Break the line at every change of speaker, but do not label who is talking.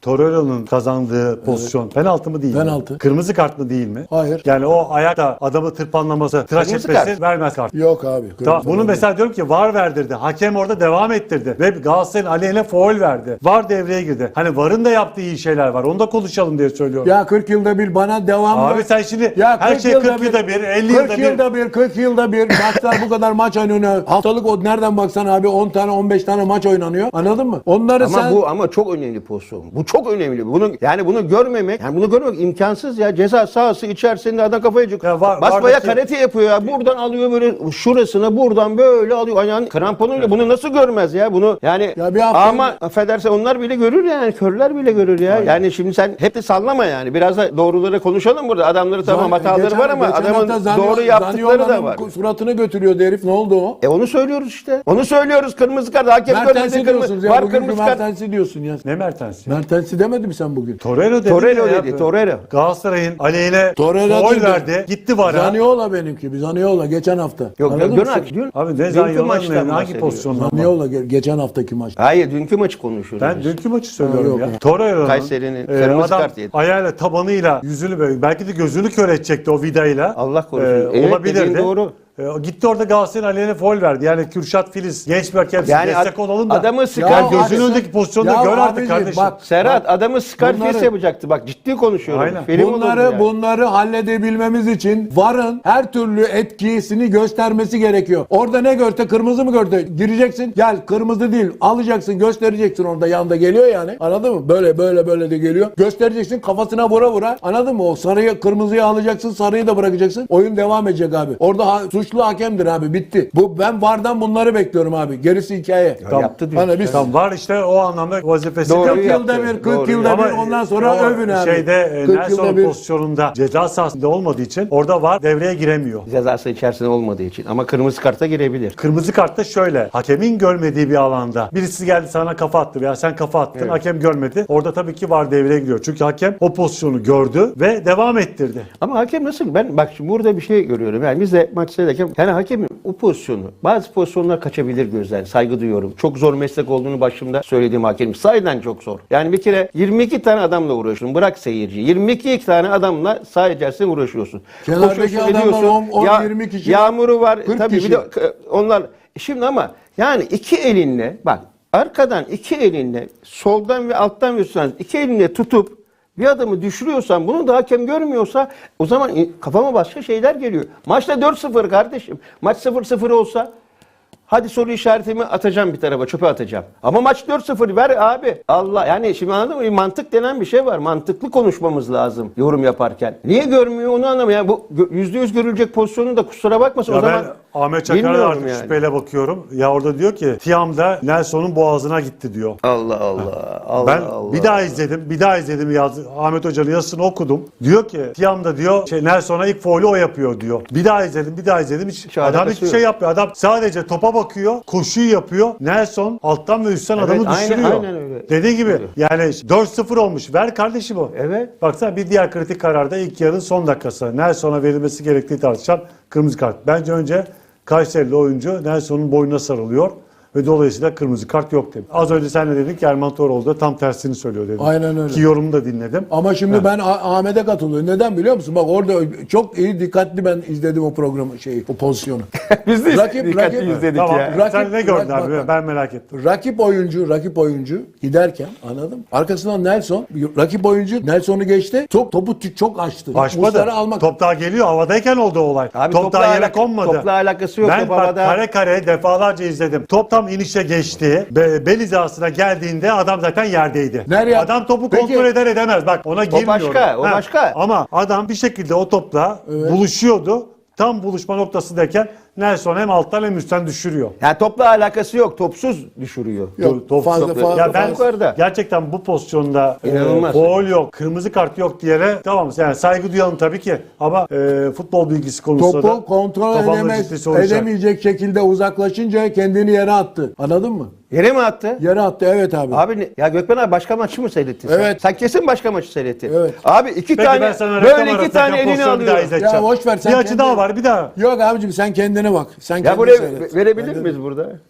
Torreira'nın kazandığı pozisyon penaltı mı değil mi?
Penaltı.
Kırmızı kart mı değil mi?
Hayır.
Yani o ayakta adamı tırpanlaması, tıraş
Kırmızı
etmesi
kart.
vermez kart.
Yok abi.
Tamam,
kırmızı
bunu
kart.
mesela diyorum ki VAR verdirdi. Hakem orada devam ettirdi. Ve Galatasaray'ın aleyhine faul verdi. VAR devreye girdi. Hani VAR'ın da yaptığı iyi şeyler var. Onu da konuşalım diye söylüyorum.
Ya 40 yılda bir bana devamlı.
Abi sen şimdi
Ya
her
40
şey 40 yılda bir, 50
40
yılda bir.
40 yılda bir maçlar bu kadar maç oynanıyor. Haftalık o nereden baksan abi 10 tane 15 tane maç oynanıyor. Anladın mı? Onları
Ama
sen
bu çok önemli pozisyon. Bu çok önemli. Bunu görmemek, imkansız ya. Ceza sahası içerisinde adam kafayı
Ya
basbaya
vardaki-
karate yapıyor ya. Buradan alıyor böyle şurasına, buradan böyle alıyor. Ayağın kramponuyla bunu nasıl görmez ya? Bunu yani
Ya bir hafta
ama
önce-
affedersen onlar bile görür yani. Körler bile görür ya. Yani şimdi sen hep de sallama yani. Biraz da doğruları konuşalım burada. Adamları tamam hataları var ama adamın doğru yaptıkları da var.
Suratını götürüyordu herif. Ne oldu o?
Onu söylüyoruz işte. Onu söylüyoruz. Kırmızı kart. Hakem
Mertens'i
görmedi.
diyorsunuz ya.
Var
Bugünkü
kırmızı kart.
Mertens'i diyorsun ya.
Ne Mertens?
Mertens'i demedi mi sen bugün?
Torreira dedi.
Torreira
ya.
dedi. Torreira.
Galatasaray'ın aleyhine
Torreira
faul
değil de-
verdi. Gitti VAR'a.
Zaniola benimki. Zaniola geçen hafta.
Yok
Anladın
dün
mı?
dün
Abi ne
dünkü
Zanyola'nın
maçtan
hangi
bahsediyor.
pozisyonda?
Zaniola geçen haftaki maç.
Hayır dünkü maçı konuşuyoruz.
Ben
biz.
dünkü maçı söylüyorum
yok
ya.
ya.
Torreira'nın
Kayseri'nin kırmızı
adam
kart yedi.
ayağıyla tabanıyla yüzünü böyle belki de gözünü kör edecekti o vidayla.
Allah korusun. Evet,
olabilirdi.
dediğin doğru.
Gitti orada Galatasaray'ın aleyhine faul verdi. Yani Kürşat Filiz genç bir hakem
Yani
destek olalım da.
adamı
Ya
sıkar
gözünün
gözünün
önündeki pozisyonu
Ya
gör artık
abicim,
kardeşim.
bak,
Serhat adamı Scarface
bunları-
yapacaktı. Bak ciddi konuşuyorum.
Aynen.
Film olurdu yani.
Bunları halledebilmemiz için VAR'ın her türlü etkisini göstermesi gerekiyor. Orada ne görse kırmızı mı gördü? Gireceksin. Gel kırmızı değil. Alacaksın, göstereceksin orada yanda geliyor yani. Anladın mı? Böyle de geliyor. Göstereceksin kafasına vura. Anladın mı? O sarıyı kırmızıyı alacaksın, sarıyı da bırakacaksın. Oyun devam edecek abi. Orada suçlu hakemdir abi. Bitti. Ben VAR'dan bunları bekliyorum abi. Gerisi hikaye.
Ya yaptı diyor.
Hani biz
Tam var işte o anlamda vazifesi.
Doğru
40 yılda
yaptı.
bir, 40
Doğru
yılda
Ama
bir ondan sonra
o
övün abi.
şeyde
40 yılda
Nelson
bir.
pozisyonunda ceza sahasında olmadığı için orada VAR devreye giremiyor.
Cezası içerisinde olmadığı için. Ama kırmızı karta girebilir.
Kırmızı kartta şöyle. Hakemin görmediği bir alanda birisi geldi sana kafa attı veya sen kafa attın.
Evet.
Hakem görmedi. Orada tabii ki VAR devreye giriyor. Çünkü hakem o pozisyonu gördü ve devam ettirdi.
Ama hakem nasıl? Ben bak şimdi burada bir şey görüyorum. Yani biz de maç seyrederken yani hakemin o pozisyonu bazı pozisyonlar kaçabilir gözden. Saygı duyuyorum. Çok zor meslek olduğunu başımda söylediğim hakem. Sahiden çok zor. Yani bir kere 22 tane adamla uğraşıyorsun. Bırak seyirci. 22 tane adamla saha içerisinde uğraşıyorsun.
Kenardaki
Koşuyorsun,
adamlar
ediyorsun.
10-20 kişi.
Yağmuru var.
40
Tabii
kişi.
bir de onlar şimdi ama yani iki elinle bak arkadan iki elinle soldan ve alttan ve üstten iki elinle tutup bir adamı düşürüyorsan bunu da hakem görmüyorsa o zaman kafama başka şeyler geliyor. Maçta 4-0 kardeşim. Maç 0-0 olsa hadi soru işaretimi atacağım bir tarafa çöpe atacağım. Ama maç 4-0 ver abi. Allah yani şimdi anladın mı? Mantık denen bir şey var. Mantıklı konuşmamız lazım yorum yaparken. Niye görmüyor onu anlamıyorum. Yani bu %100 görülecek pozisyonu da kusura bakmasın
Ya
o zaman.
ben Ahmet Çakar'a
bilmiyorum
artık
yani.
şüpheyle bakıyorum. Ya orada diyor ki Tiam'da Nelson'un boğazına gitti diyor.
Allah Allah. Allah
Ben
Allah.
bir daha izledim Ahmet Hoca'nın yazısını okudum. Diyor ki Tiam'da diyor Nelson'a ilk faulü o yapıyor diyor. Bir daha izledim. Hiç adam
alakası
hiçbir
yok.
şey yapmıyor. Adam sadece topa bakıyor, koşuyu yapıyor. Nelson alttan ve üstten
Evet,
adamı düşürüyor.
aynen öyle.
Dediği gibi
Öyle.
yani 4-0 olmuş. Ver kardeşim o.
Evet.
Baksana bir diğer kritik kararda ilk yarının son dakikası. Nelson'a verilmesi gerektiği tartışan kırmızı kart. Bence önce Kayserili oyuncu Nelson'un boynuna sarılıyor ve dolayısıyla kırmızı kart yok dedi. Az önce sen de dedin ki Erman Toroğlu da tam tersini söylüyor dedin.
Aynen öyle.
Ki yorumumu da dinledim.
Ama şimdi ben Ahmet'e katılıyorum. Neden biliyor musun? Bak orada çok iyi dikkatli ben izledim o programı o pozisyonu.
Biz de dikkatli
rakip-
izledik
Tamam.
ya.
Sen ne gördün
bak,
abi?
bak.
Ben merak ettim.
Rakip oyuncu giderken anladın mı? Arkasından rakip oyuncu Nelson'u geçti. Topu çok açtı.
Açmadı.
Muslera almak.
Top daha geliyor. Havadayken oldu o olay.
Abi
Top daha yere konmadı.
Topla alakası yok.
Ben
Top
bak
havada.
kare defalarca izledim. Top tam inişe geçti. Bel hizasına geldiğinde adam zaten yerdeydi.
Nereye?
Adam topu
Peki-
kontrol eder edemez. Bak ona girmiyorum.
başka, o başka.
Ama adam bir şekilde o topla buluşuyordu. Tam buluşma noktasındayken Nelson hem alttan hem üstten düşürüyor.
Yani topla alakası yok. Topsuz düşürüyor.
Yok,
Top-
fazla
top-
Ya ben
yukarıda.
gerçekten bu pozisyonda
İnanılmaz.
faul yok, kırmızı kart yok diyene tamam yani saygı duyalım tabii ki ama futbol bilgisi konusunda da
Topu kontrol
kafamda ciddi soru işareti.
edemeyecek şekilde uzaklaşınca kendini yere attı. Anladın mı?
Yere mi attı?
Yere attı evet abi.
Ya Gökmen abi başka maçı mı seyrettin sen?
Evet.
Sen kesin başka maçı seyrettin.
Evet.
Abi iki
Peki ben
tane
sana reklam
böyle iki
arasındaki
tane elini
pozisyonu bir daha
alıyor.
izleteceğim.
Ya boş ver, sen
Bir açı
kendin-
daha var bir daha.
Yok abicim sen kendine bak. Sen
Ya
kendine
buraya
seyret.
verebilir miyiz burada?